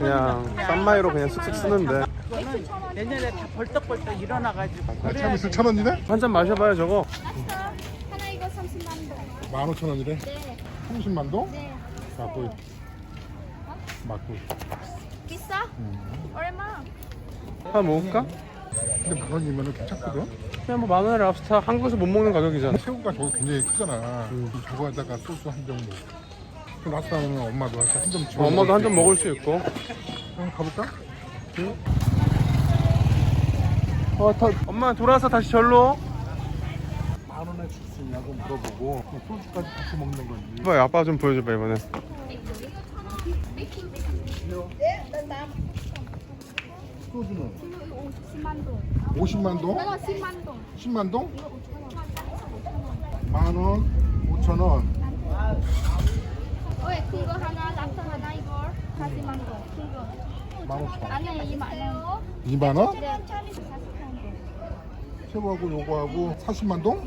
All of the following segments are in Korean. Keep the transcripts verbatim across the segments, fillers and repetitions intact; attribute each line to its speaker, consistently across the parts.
Speaker 1: 그냥 싼마이로 그냥 쓱쓱 쓰는데.
Speaker 2: 내년에 다 벌떡벌떡 일어나가지고.
Speaker 3: 아, 참 있을 천 원이네?
Speaker 1: 한 잔 마셔봐요 저거.
Speaker 4: 하나 이거 삼십만 동.
Speaker 3: 만 오천 원이래?
Speaker 4: 네.
Speaker 3: 삼십만 동?
Speaker 4: 네.
Speaker 3: 맞고 맞고.
Speaker 4: 비싸? 얼마?
Speaker 1: 하나 먹을까?
Speaker 3: 근데 만 원이면 괜찮거든?
Speaker 1: 그냥 뭐 만 원에 랍스타 한국에서 못 먹는 가격이잖아.
Speaker 3: 새우가 저거 굉장히 크잖아. 저거에다가 소스 한 병 먹고. 라스타는 엄마도 한 점 집어
Speaker 1: 어, 엄마도 한
Speaker 3: 수
Speaker 1: 잔
Speaker 3: 있고.
Speaker 1: 먹을 수 있고.
Speaker 3: 그럼 가볼까?
Speaker 1: 어, 더, 엄마 돌아서 다시 절로.
Speaker 3: 만 원에 줄 수 있냐고 물어보고 소주까지 같이 먹는 건지.
Speaker 1: 이봐 아빠 좀 보여줘봐 이번에.
Speaker 3: 소주는
Speaker 4: 오십만 동.
Speaker 3: 오십만 동?
Speaker 4: 이거 십만 동.
Speaker 3: 십만 동? 만 원, 오천 원.
Speaker 4: 왜 그거 하나 랍스터 하나 이거 사십만 동. 그거.
Speaker 3: 만 오천 원.
Speaker 4: 안에 이만 원.
Speaker 3: 이만 원?
Speaker 4: 네. 사십만 동.
Speaker 3: 새우하고 요거하고 사십만 동?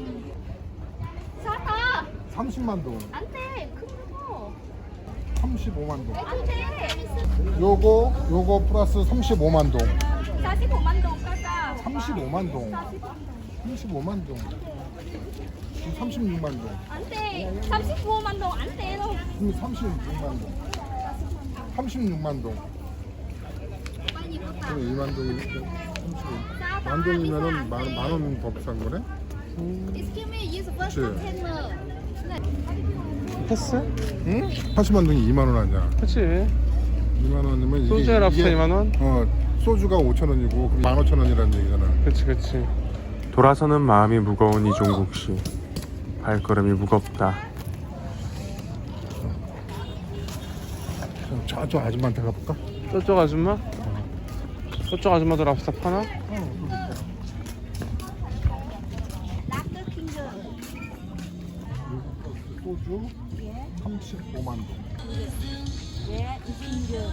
Speaker 4: 사다.
Speaker 3: 삼십만 동.
Speaker 4: 안 돼. 그거.
Speaker 3: 삼십오만 동.
Speaker 4: 안 돼.
Speaker 3: 요거 요거 플러스 삼십오만 동.
Speaker 4: 사십오만 동 가자.
Speaker 3: 삼십오만 동. 삼십오만 동. 삼십육만 동.
Speaker 4: 안 돼. 삼십오만 동 안 돼. 너.
Speaker 3: 그럼 삼십육만 동. 삼십육만 동.
Speaker 4: 빨리 입었다.
Speaker 3: 그럼 이만 동이니까
Speaker 4: 싸다.
Speaker 3: 만 동이면은
Speaker 4: 비싸, 안
Speaker 3: 만,
Speaker 4: 돼.
Speaker 3: 만 원 더 비싼 거네?
Speaker 4: Excuse me, use first
Speaker 3: 그치.
Speaker 4: container.
Speaker 1: 패스?
Speaker 3: 응? 팔십만 동이 이만 원 아니야?
Speaker 1: 그치.
Speaker 3: 이만 원이면 이게
Speaker 1: 소주에 랍스타
Speaker 3: 이게-
Speaker 1: 이만 원?
Speaker 3: 어 소주가 오천 원이고 만 오천 원이라는 얘기잖아.
Speaker 1: 그치 그치. 돌아서는 마음이 무거운 이종국 씨. 발걸음이 무겁다.
Speaker 3: 그럼 저쪽 아줌마한테 가볼까?
Speaker 1: 저쪽 아줌마? 저쪽 아줌마도 랍스타 파나?
Speaker 4: Lager Kinder.
Speaker 3: 소주 삼십오만 동.
Speaker 4: 예, Kinder.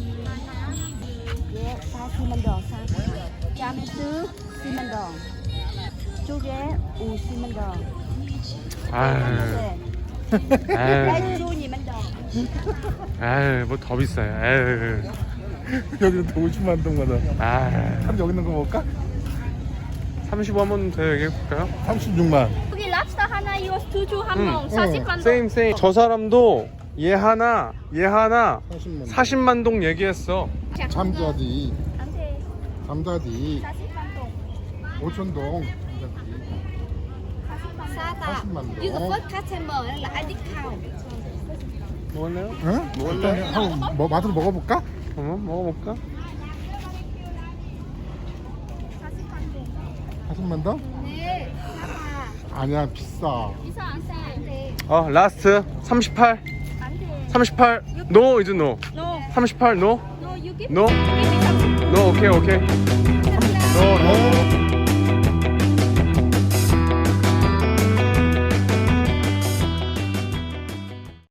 Speaker 4: 예, 사십만 동. 짬스 십만 동. 쪼개 오십만 동.
Speaker 1: 아유.
Speaker 4: 네.
Speaker 1: 아유.
Speaker 4: 라이트로니만 동.
Speaker 1: 아유 뭐 더 비싸요. 아유.
Speaker 3: 여기는 또 오십만 동마다.
Speaker 1: 아유.
Speaker 3: 그럼 여기 있는 거 먹을까?
Speaker 1: 삼십오만 더 얘기해볼까요?
Speaker 3: 삼십육만.
Speaker 4: 여기 랍스터 하나 이거 소주 한
Speaker 1: 응.
Speaker 4: 명 사십만 동.
Speaker 1: 세임 세임. 저 사람도 얘 하나 얘 하나
Speaker 3: 사십만 동.
Speaker 1: 사십만 동 얘기했어.
Speaker 3: 잠자디.
Speaker 4: 안 돼.
Speaker 3: 잠자디.
Speaker 4: 사십만 동.
Speaker 3: 오천 동.
Speaker 4: 싸다.
Speaker 3: 사십만 동.
Speaker 4: 이거 first customer là I discount.
Speaker 1: 먹을래요?
Speaker 3: 응?
Speaker 1: 먹을래?
Speaker 3: 일단 한번 뭐, 맛으로 먹어볼까?
Speaker 1: 어, 먹어볼까?
Speaker 4: 사십만 동.
Speaker 3: 사십만 동?
Speaker 4: 네. 싸다.
Speaker 3: 아니야 비싸.
Speaker 4: 비싸 안 싸. 안 돼.
Speaker 1: 어 라스트 삼십팔.
Speaker 4: 안 돼.
Speaker 1: 삼십팔. 노 이즈 노.
Speaker 4: No.
Speaker 1: 삼십팔 노.
Speaker 4: No, you give
Speaker 1: No?
Speaker 4: give me some.
Speaker 1: 노 오케이 오케이.
Speaker 4: Some
Speaker 1: 노 노.